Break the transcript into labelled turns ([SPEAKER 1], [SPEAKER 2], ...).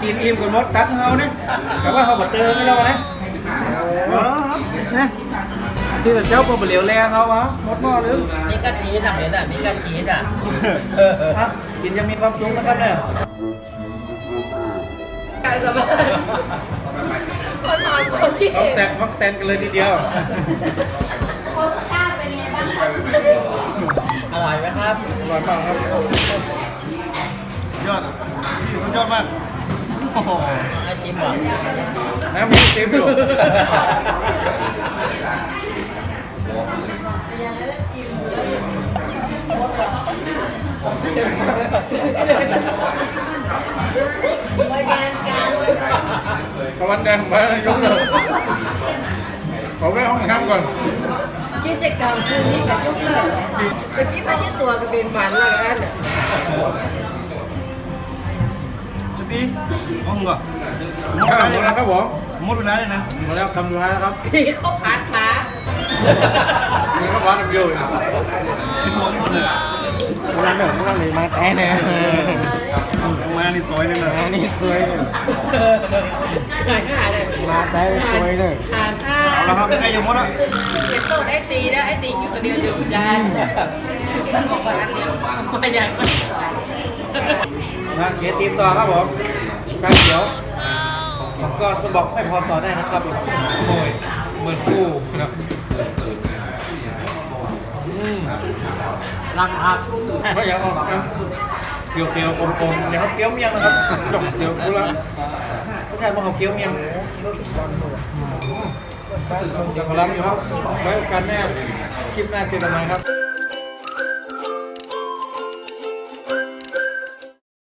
[SPEAKER 1] กินอิ่มกันหมดตักเฮาเนี่ยแต่ว่าเขาบดเจอไม่แล้วนะนะที่แต่เจ้าก็บเหลียวแรงเขาวะหมดหม้อหรือ
[SPEAKER 2] มีกระจีนอ่ะเห็นอ่ะมีกระจีนอ่ะ
[SPEAKER 1] กินยังมีความสุขนะครับเนี่ย
[SPEAKER 3] กายสบายคนนอนคนที่
[SPEAKER 1] ต้องแต่งพักแตนกันเลยทีเดียว
[SPEAKER 2] อร่อยไหมครับ
[SPEAKER 1] อร่อยมากครับยอดสุดยอดมากโอ้โห
[SPEAKER 2] ไอจิมเหรอ
[SPEAKER 1] น้ำมีเต็มอยู่ตะวันแดงไปยกเลยขอแวะห้องน้ำก่อน
[SPEAKER 3] กิจกรรมคืนนี้กับยกเลิกตะกี้ถ้าจะตัวก็เป็นมันแล้วกัน
[SPEAKER 1] สตีห้องก่อนหมดแล้วครับผมหมดเวลาเลยนะหมดแล้วคำสุดท้ายแล้วครับ
[SPEAKER 3] พี่เขาพัดมา
[SPEAKER 1] นี่ครับร้านน้ำเยอะร้านเดิมร้านนี้มาแต่เนี่ยมานี่สวยเลยนะนี่สวยเลย
[SPEAKER 3] หายหาเลย
[SPEAKER 1] มาแต่สวยเลย
[SPEAKER 3] หาท่า
[SPEAKER 1] เอาละครับใกล้จะหมดแล้ว
[SPEAKER 3] เป็นโต๊ะไอ้ตีนะไอ้ตีอยู่คนเดียวอยู่จานฉันบอกว่าอันเดียวมาอย่าง
[SPEAKER 1] มาเขียนทีมต่อครับผมกางเขียวสองก้อนคุณบอกไม่พอต่อได้นะครับโอ้ยเหมือนคู่นะ
[SPEAKER 2] รักครับ
[SPEAKER 1] ไม่อยากออกนะเคี้ยวเคี้ยวคมๆเดี๋ยวเขาเคี้ยวเมียงนะครับจบเดี๋ยวดูละผู้ชายมาเขาเคี้ยวเมียงเดี๋ยวขอรับอยู่ครับไว้โอกาสแน่คลิปหน้าเจอกันใหม่ครับ